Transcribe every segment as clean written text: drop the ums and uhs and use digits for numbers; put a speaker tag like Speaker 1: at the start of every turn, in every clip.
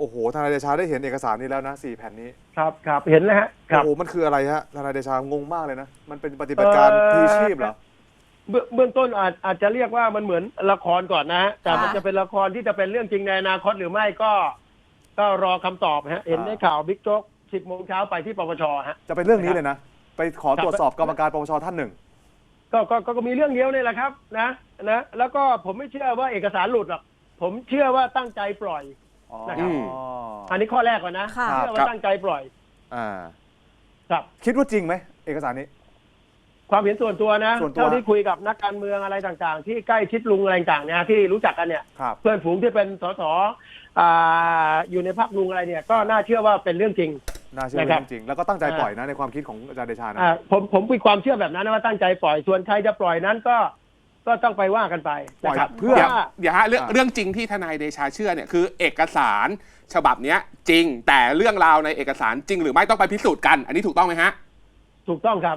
Speaker 1: โอ้โหทนายเดชาได้เห็นเอกสารนี้แล้วนะ4 แผ่นนี้
Speaker 2: ครับเห็นแล้วฮะ
Speaker 1: โอ้โหมันคืออะไรฮะทนายเดชางงมากเลยนะมันเป็นปฏิบัติการพลีชีพเหรอ
Speaker 2: เบื้องต้นอาจจะเรียกว่ามันเหมือนละครก่อนนะแต่มันจะเป็นละครที่จะเป็นเรื่องจริงในอนาคตหรือไม่ก็รอคำตอบฮะเห็นได้ข่าวบิ๊กโจ๊ก10 โมงเช้าไปที่ปปชฮะ
Speaker 1: จะเป็นเรื่องนี้เลยนะไปขอตรวจสอบกรรมการปปชท่านหนึ่ง
Speaker 2: ก็มีเรื่องเดียวนี่แหละครับนะแล้วก็ผมไม่เชื่อว่าเอกสารหลุดหรอกผมเชื่อว่าตั้งใจปล่อยนะครับอันนี้ข้อแรกก่อนนะเชื่อว่าตั้งใจปล่อยครับ
Speaker 1: คิดว่าจริงไหมเอกสารนี้
Speaker 2: ความเห็นส่วนตัวนะเท่าที่คุยกับนักการเมืองอะไรต่างๆที่ใกล้ชิดลุงอะไรต่างๆเนี่ยที่รู้จักกันเนี่ยเพื่อนฝูงที่เป็นสสอยู่ในพรรคลุงอะไรเนี่ยก็น่าเชื่อว่าเป็นเรื่องจริง
Speaker 1: น่าเชื่อเป็นเรื่องจริงแล้วก็ตั้งใจปล่อยนะในความคิดของอาจารย์เดชานะ
Speaker 2: ผมมีความเชื่อแบบนั้นนะว่าตั้งใจปล่อยส่วนใครจะปล่อยนั้นก็ต้องไปว่ากันไปนะครับ
Speaker 3: เพื่อเดี๋ยวฮะเรื่องจริงที่ทนายเดชาเชื่อเนี่ยคือเอกสารฉบับนี้จริงแต่เรื่องราวในเอกสารจริงหรือไม่ต้องไปพิสูจน์กันอันนี้ถูกต้องไหมฮะ
Speaker 2: ถูกต้องครับ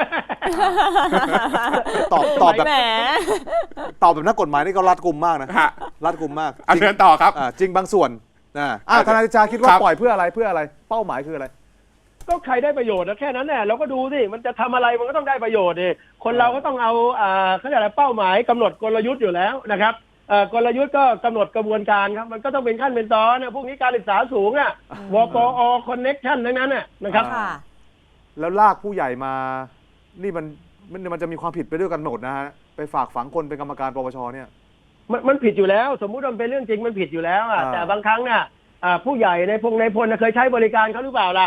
Speaker 1: ตอบแบบนักกฎหมายนี่ก็รัดกุมมากนะรัดกุมมาก
Speaker 3: เชิญต่อครับ
Speaker 1: จริงบางส่วนทนายเดชาคิดว่าปล่อยเพื่ออะไรเป้าหมายคืออะไร
Speaker 2: ก็ใครได้ประโยชน์นะแค่นั้นแหละเราก็ดูสิมันจะทำอะไรมันก็ต้องได้ประโยชน์ดิคนเราก็ต้องเอาเขาเรียกอะไรเป้าหมายกำหนดกลยุทธ์อยู่แล้วนะครับกลยุทธ์ก็กำหนดกระบวนการครับมันก็ต้องเป็นขั้นเป็นตอนนะพวกนี้การศึกษาสูงวปอคอนเน็กชั่นทั้งนั้นนะครับ
Speaker 1: แล้วลากผู้ใหญ่มานี่มันจะมีความผิดไปด้วยกันหมดนะฮะไปฝากฝังคนเป็นกรรมการปปชเนี่ย
Speaker 2: มันผิดอยู่แล้วสมมุติมันเป็นเรื่องจริงมันผิดอยู่แล้วแต่บางครั้งเนี่ยผู้ใหญ่ในพลเคยใช้บริการเขาหรือเปล่าล่ะ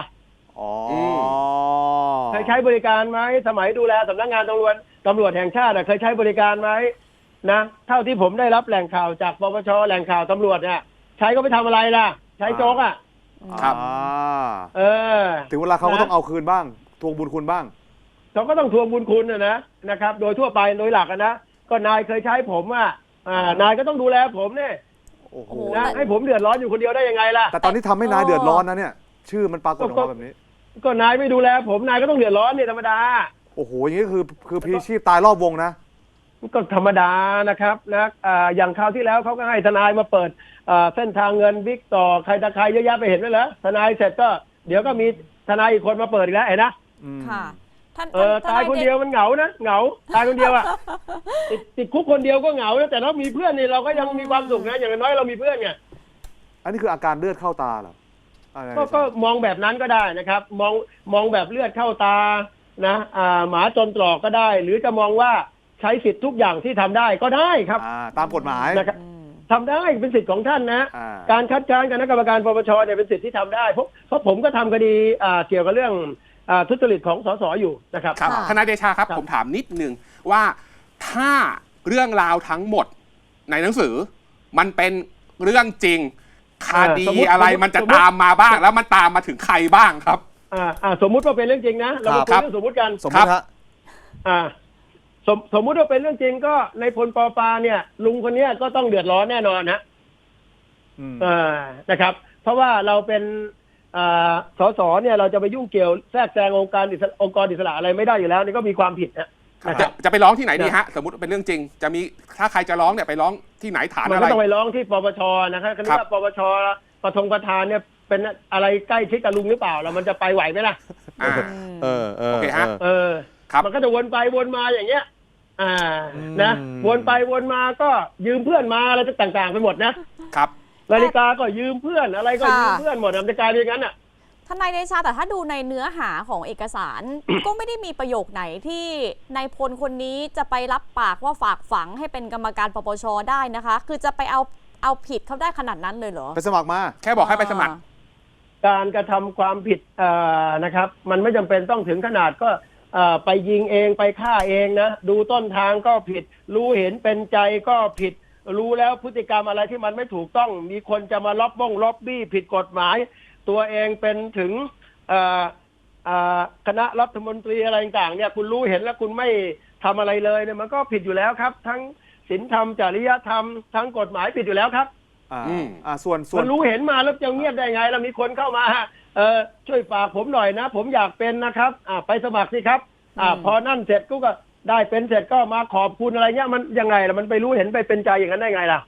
Speaker 2: เคยใช้บริการไหมสมัยดูแลสำนักงานตำรวจแห่งชาติเคยใช้บริการไหมนะเท่าที่ผมได้รับแหล่งข่าวจากปปชแหล่งข่าวตำรวจเนี่ยใช้ก็ไปทำอะไรล่ะใช้โจ๊ก
Speaker 3: ครับ
Speaker 1: ถึงเวลาเขาก็ต้องเอาคืนบ้างทวงบุญคุณบ้าง
Speaker 2: เขาก็ต้องทวงบุญคุณนะครับโดยทั่วไปโดยหลักนะก็นายเคยใช้ผมนายก็ต้องดูแลผมเนี่ยนะให้ผมเดือดร้อนอยู่คนเดียวได้ยังไงล่ะ
Speaker 1: แต่ตอนนี้ทำให้นายเดือดร้อนนะเนี่ยชื่อมันปรากฏออกมาแบบนี้
Speaker 2: ก็นายไม่ดูแลผมนายก็ต้องเดือดร้อนเนี่ยธรรมดา
Speaker 1: โอ้โหอย่างนี้คือพลีชีพตายรอบวงนะ
Speaker 2: ก็ธรรมดานะครับนะอย่างคราวที่แล้วเขาก็ให้ทนายมาเปิดเส้นทางเงินบิ๊กต่อใครตะใครเยอะแยะไปเห็นไหมเหรอทนายเสร็จก็เดี๋ยวก็มีทนายอีกคนมาเปิดอีกแล้วเห็นนะ
Speaker 4: ค่ะ
Speaker 2: ตายคนเดียวมันเหงานะเหงาตายคนเดียวติดคุกคนเดียวก็เหงานะแต่เรามีเพื่อนนี่เราก็ยังมีความสุขนะอย่างน้อยเรามีเพื่อนไง
Speaker 1: อันนี้คืออาการเลือดเข้าตาเหรอ
Speaker 2: ก็มองแบบนั้นก็ได้นะครับมองแบบเลือดเข้าตานะหมาจนตรอกก็ได้หรือจะมองว่าใช้สิทธิ์ทุกอย่างที่ทำได้ก็ได้ครับ
Speaker 1: ตามกฎหมาย
Speaker 2: นะครับทำได้เป็นสิทธิ์ของท่านนะการคัดค้านคณะกรรมการปปชเนี่ยเป็นสิทธิ์ที่ทำได้เพราะผมก็ทำคดีเกี่ยวกับเรื่องทุจริตของสสอยู่นะครับ
Speaker 3: ทนายเดชาครับผมถามนิดนึงว่าถ้าเรื่องราวทั้งหมดในหนังสือมันเป็นเรื่องจริงคดีอะไรมันจะตามมาบ้างแล้วมันตามมาถึงใครบ้างครับ
Speaker 2: สมมุติว่าเป็นเรื่องจริงนะเราคุยเรื่องสมมุติกัน
Speaker 1: สมมติฮะ
Speaker 2: สมมุติว่าเป็นเรื่องจริงก็ในพลปปาเนี่ยลุงคนนี้ก็ต้องเดือดร้อนแน่นอนนะครับเพราะว่าเราเป็นสสเนี่ยเราจะไปยุ่งเกี่ยวแทรกแซงองค์กรอิสระอะไรไม่ได้อยู่แล้วนี่ก็มีความผิด
Speaker 3: จะไปร้องที่ไหนดีฮะสมมติเป็นเรื่องจริงจะมีถ้าใครจะร้องเนี่ยไปร้องที่ไหนฐานอะไร
Speaker 2: มันก็ต้องไปร้องที่ปปชนะครับคือว่าปปชประธานเนี่ยเป็นอะไรใกล้ชิดกับลุงหรือเปล่าแล้วมันจะไปไหวไหมล่ะ
Speaker 3: โอเคฮะ
Speaker 2: มันก็จะวนไปวนมาอย่างเงี้ยนะวนไปวนมาก็ยืมเพื่อนมาอะไรต่างๆไปหมด
Speaker 3: นะครับ
Speaker 2: นาฬิกาก็ยืมเพื่อนอะไรก็ยืมเพื่อนหมดมันจะกลายเป็นอย่างนั้น
Speaker 4: ทนายเดชาแต่ถ้าดูในเนื้อหาของเอกสาร ก็ไม่ได้มีประโยคไหนที่นายพลคนนี้จะไปรับปากว่าฝากฝังให้เป็นกรรมการปปชได้นะคะคือจะไปเอาผิดเขาได้ขนาดนั้นเลยเหรอ
Speaker 1: ไปสมัครมา
Speaker 3: แค่บอกให้ไปสมัคร
Speaker 2: การกระทำความผิดนะครับมันไม่จำเป็นต้องถึงขนาดก็ไปยิงเองไปฆ่าเองนะดูต้นทางก็ผิดรู้เห็นเป็นใจก็ผิดรู้แล้วพฤติกรรมอะไรที่มันไม่ถูกต้องมีคนจะมาล็อบบี้ผิดกฎหมายตัวเองเป็นถึงคณะรัฐมนตรีอะไรต่างเนี่ยคุณรู้เห็นแล้วคุณไม่ทำอะไรเลยเนี่ยมันก็ผิดอยู่แล้วครับทั้งศีลธรรมจริยธรรมทั้งกฎหมายผิดอยู่แล้วครับ
Speaker 1: ส่วน
Speaker 2: มันรู้เห็นมาแล้วจะเงียบได้ไงแล้วมีคนเข้ามาช่วยฝากผมหน่อยนะผมอยากเป็นนะครับไปสมัครสิครับพอนั่นเสร็จก็ได้เป็นเสร็จก็มาขอบคุณอะไรเงี้ยมันยังไงล่ะมันไปรู้เห็นไปเป็นใจอย่างนั้นได้ไงล่ะ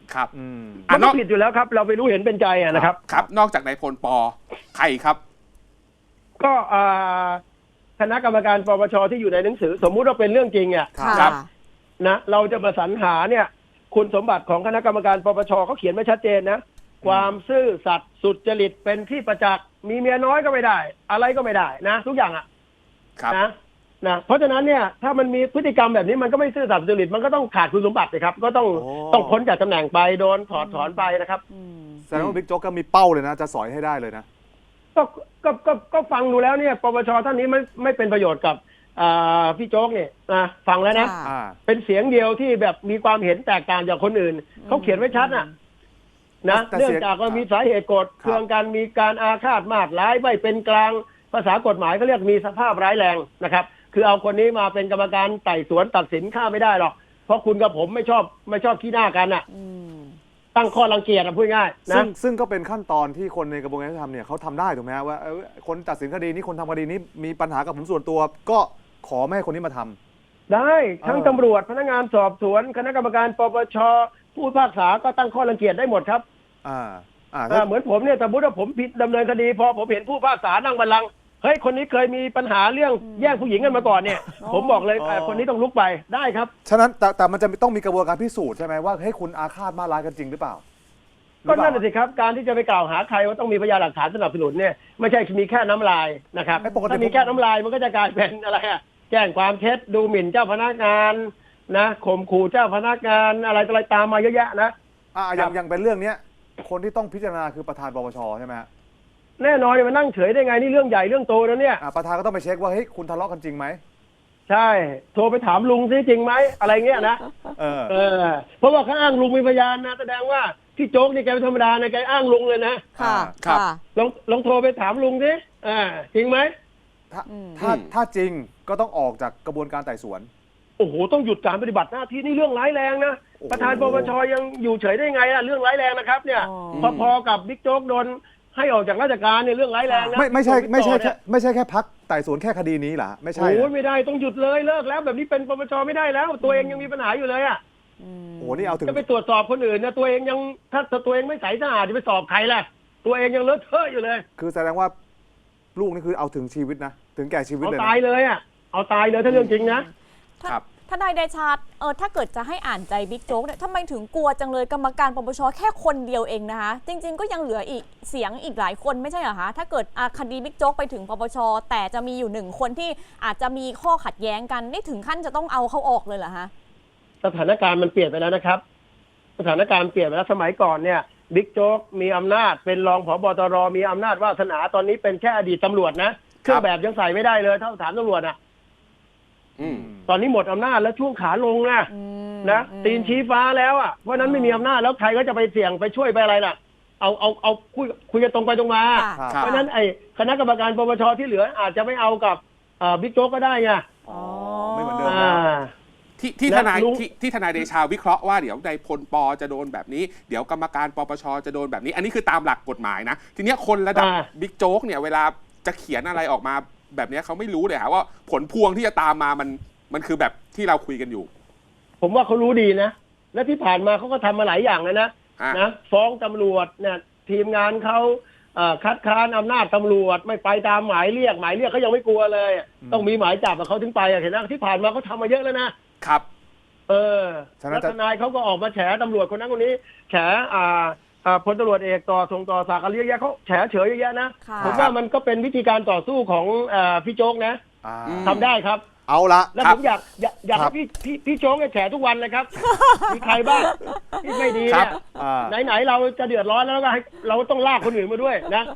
Speaker 3: ครับ
Speaker 2: มันก็ผิดอยู่แล้วครับ เราไปรู้เห็นเป็นใจนะครับ
Speaker 3: ครับ นอกจากนายพลปใครครับ
Speaker 2: ก็คณะกรรมการปปชที่อยู่ในหนังสือ สมมุติว่าเป็นเรื่องจริง
Speaker 3: ครับ
Speaker 2: นะเราจะประสรรหาเนี่ย คุณสมบัติของคณะกรรมการปปชเขาเขียนไว้ชัดเจนนะ ความซื่อสัตย์สุจริตเป็นที่ประจักษ์มีเมียน้อยก็ไม่ได้ อะไรก็ไม่ได้นะ ทุกอย่าง
Speaker 3: ครับ
Speaker 2: นะเพราะฉะนั้นเนี่ยถ้ามันมีพฤติกรรมแบบนี้มันก็ไม่ซื่อสัตย์สุจริตมันก็ต้องขาดคุณสมบัติเลยครับก็ต้องพ้นจากตำแหน่งไปโดนถอดถอนไปนะครับ
Speaker 1: แสดงว่าบิ๊กโจ๊กก็มีเป้าเลยนะจะสอยให้ได้เลยนะ
Speaker 2: ก็ฟังดูแล้วเนี่ยปปชท่านนี้ไม่เป็นประโยชน์กับพี่โจ๊กเนี่ยนะฟังแล้วนะ เป็นเสียงเดียวที่แบบมีความเห็นแตกต่างจากคนอื่นเขาเขียนไว้ชัดนะเนื่องจากว่ามีสาเหตุโกรธเคืองกันมีการอาฆาตมาดร้ายไม่เป็นกลางภาษากฎหมายเขาเรียกมีสภาพร้ายแรงนะครับคือเอาคนนี้มาเป็นกรรมการไต่สวนตัดสินฆ่าไม่ได้หรอกเพราะคุณกับผมไม่ชอบขี้หน้ากันตั้งข้อรังเกียจพูดง่ายนะ
Speaker 1: ซึ่งก็เป็นขั้นตอนที่คนในกระบวนการยุติธรรมเนี่ยเขาทำได้ถูกไหมฮะว่าคนตัดสินคดีนี้คนทำคดีนี้มีปัญหากับผมส่วนตัวก็ขอไม่ให้คนนี้มาทำ
Speaker 2: ได้ทั้งตำรวจพนักงานสอบสวนคณะกรรมการปปชผู้พิพากษาก็ตั้งข้อรังเกียจได้หมดครับเหมือนผมเนี่ยสมมติว่าผมผิดดำเนินคดีพอผมเห็นผู้พิพากษานั่งบัลลังก์เฮ้ยคนนี้เคยมีปัญหาเรื่องแย่งผู้หญิงกันมาก่อนเนี่ยผมบอกเลยคนนี้ต้องลุกไปได้ครับ
Speaker 1: ฉะนั้นแต่มันจะต้องมีกระบวนการพิสูจน์ใช่ไหมว่าให้คุณอาฆาตมาร้ายกันจริงหรือเปล่า
Speaker 2: ก็นั่นสิครับการที่จะไปกล่าวหาใครว่าต้องมีพยานหลักฐานสนับสนุนเนี่ยไม่ใช่มีแค่น้ำลายนะครับถ้ามีแค่น้ำลายมันก็จะกลายเป็นอะไรแจ้งความเท็จดูหมิ่นเจ้าพนักงานนะข่มขู่เจ้าพนักงานอะไรตามมาเยอะแยะนะ
Speaker 1: อย่างเป็นเรื่องนี้คนที่ต้องพิจารณาคือประธานปปชใช่ไหม
Speaker 2: แน่นอนมันนั่งเฉยได้ไงนี่เรื่องใหญ่เรื่องโตนะเนี่ย
Speaker 1: ประธานก็ต้องไปเช็คว่าเฮ้ยคุณทะเลาะกันจริงไหม
Speaker 2: ใช่โทรไปถามลุงซิจริงไหมอะไรเงี้ยนะเพราะว่าเขาอ้างลุงมีพยานนะแสดงว่าที่โจ๊กนี่แกเป็นธรรมดานะแกอ้างลุงเลยนะ
Speaker 3: ครับ
Speaker 2: ลองโทรไปถามลุงสิจริงไหม
Speaker 1: ถ้าจริงก็ต้องออกจากกระบวนการไต่สวน
Speaker 2: โอ้โหต้องหยุดการปฏิบัติหน้าที่นี่เรื่องร้ายแรงนะประธานปปชยังอยู่เฉยได้ไงล่ะเรื่องร้ายแรงนะครับเนี่ยพอกับบิ๊กโจ๊กโดนให้ออกจากราชการเนี่ยเรื่องร้ายแรงนะ
Speaker 1: ไม่ใช่แค่พักไต่สวนแค่คดีนี้เหรอไม่ใช่
Speaker 2: โอ้ไม่ได้ต้องหยุดเลยเลิกแล้วแบบนี้เป็นปปชไม่ได้แล้วตัวเองยังมีปัญหาอยู่เลย
Speaker 1: โอ้นี่เอาถึง
Speaker 2: จะไปตรวจสอบคนอื่นนะตัวเองยังถ้าตัวเองไม่ใสสะอาดจะไปสอบใครล่ะตัวเองยังเลอะเทอะอยู่เลย
Speaker 1: คือแสดงว่าลูกนี่คือเอาถึงชีวิตนะถึงแก่ชีวิตเลย
Speaker 2: เอาตายเลยเอาตายเลยถ้าเรื่องจริง
Speaker 4: นะครับทนายเดชาถ้าเกิดจะให้อ่านใจบิ๊กโจ๊กเนี่ยทำไมถึงกลัวจังเลยกรรมการปปชแค่คนเดียวเองนะคะจริงๆก็ยังเหลืออีกเสียงอีกหลายคนไม่ใช่เหรอคะถ้าเกิดคดีบิ๊กโจ๊กไปถึงปปชแต่จะมีอยู่1คนที่อาจจะมีข้อขัดแย้งกันนี่ถึงขั้นจะต้องเอาเขาออกเลยเหรอคะ
Speaker 2: สถานการณ์มันเปลี่ยนไปแล้วนะครับสถานการณ์เปลี่ยนไปแล้วสมัยก่อนเนี่ยบิ๊กโจ๊กมีอำนาจเป็นรองผบ.ตร.มีอำนาจวาสนาตอนนี้เป็นแค่อดีตตำรวจนะเครื่องแบบยังใส่ไม่ได้เลยเท่าฐานตำรวจตอนนี้หมดอำนาจแล้วช่วงขาลงนะตีนชี้ฟ้าแล้วเพราะนั้นไม่มีอำนาจแล้วใครก็จะไปเสี่ยงไปช่วยไปอะไรล่ะเอาคุยกันตรงไปตรงมาเพราะนั้นไอ้คณะกรรมการปปชที่เหลืออาจจะไม่เอากับบิ๊กโจ๊กก็ได้ไง
Speaker 1: ไม่เหมือนเดิม
Speaker 3: ที่ทนายเดชาวิเคราะห์ว่าเดี๋ยวนายพลปจะโดนแบบนี้เดี๋ยวกรรมการปปชจะโดนแบบนี้อันนี้คือตามหลักกฎหมายนะทีนี้คนระดับบิ๊กโจ๊กเนี่ยเวลาจะเขียนอะไรออกมาแบบนี้เขาไม่รู้เลยว่าผลพวงที่จะตามมามันคือแบบที่เราคุยกันอยู่
Speaker 2: ผมว่าเขารู้ดีนะและที่ผ่านมาเขาก็ทำมาหลายอย่างแล้วนะฟ้องตำรวจเนี่ยทีมงานเขาคัดค้านอำนาจตำรวจไม่ไปตามหมายเรียกเขายังไม่กลัวเลยต้องมีหมายจับเขาถึงไปเห็นไหมที่ผ่านมาเขาทำมาเยอะแล้วนะครับแล้วทนายเขาก็ออกมาแฉตำรวจคนนั้นคนนี้แฉพลตำรวจเอกส่งต่อศักดิ์อะไรเยอะแยะเขาแฉเฉยเยอะแยะนะผมว่ามันก็เป็นวิธีการต่อสู้ของพี่โจ๊กนะทำได้ครับ
Speaker 1: เอาละ
Speaker 2: แล้วผมอยากให้พี่โจ๊กแฉทุกวันเลยครับมีใครบ้างที่ไม่ดีเนี่ยไหนๆเราจะเดือดร้อนแล้วก็ให้เราต้องลากคนอื่นมาด้วยนะ